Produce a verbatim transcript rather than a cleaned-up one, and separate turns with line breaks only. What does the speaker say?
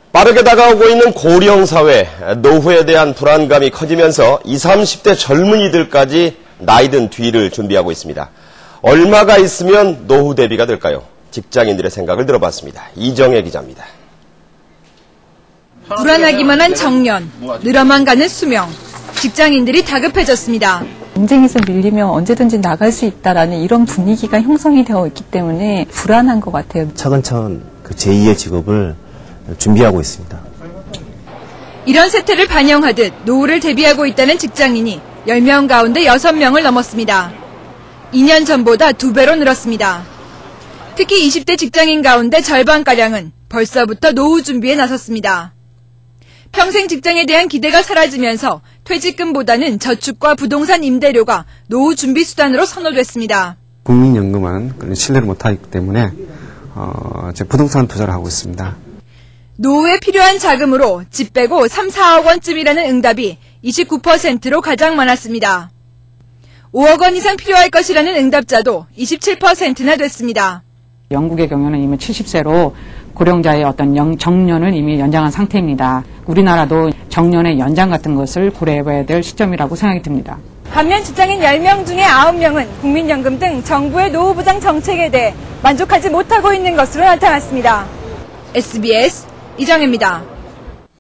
빠르게 다가오고 있는 고령 사회, 노후에 대한 불안감이 커지면서 이십, 삼십 대 젊은이들까지 나이든 뒤를 준비하고 있습니다. 얼마가 있으면 노후 대비가 될까요? 직장인들의 생각을 들어봤습니다. 이정혜 기자입니다.
불안하기만 한 정년, 늘어만 가는 수명, 직장인들이 다급해졌습니다.
경쟁에서 밀리면 언제든지 나갈 수 있다라는 이런 분위기가 형성이 되어 있기 때문에 불안한 것 같아요.
차근차근 그 제이의 직업을 준비하고 있습니다.
이런 세태를 반영하듯 노후를 대비하고 있다는 직장인이 열 명 가운데 여섯 명을 넘었습니다. 이 년 전보다 두 배로 늘었습니다. 특히 이십 대 직장인 가운데 절반가량은 벌써부터 노후 준비에 나섰습니다. 평생 직장에 대한 기대가 사라지면서 퇴직금보다는 저축과 부동산 임대료가 노후 준비 수단으로 선호됐습니다.
국민연금은 신뢰를 못하기 때문에 어, 이제 부동산 투자를 하고 있습니다.
노후에 필요한 자금으로 집 빼고 삼, 사억 원쯤이라는 응답이 이십구 퍼센트로 가장 많았습니다. 오억 원 이상 필요할 것이라는 응답자도 이십칠 퍼센트나 됐습니다.
영국의 경우는 이미 칠십 세로 고령자의 어떤 영, 정년을 이미 연장한 상태입니다. 우리나라도 정년의 연장 같은 것을 고려해봐야 될 시점이라고 생각이 듭니다.
반면 직장인 열 명 중에 아홉 명은 국민연금 등 정부의 노후보장 정책에 대해 만족하지 못하고 있는 것으로 나타났습니다. 에스비에스 이정혜입니다.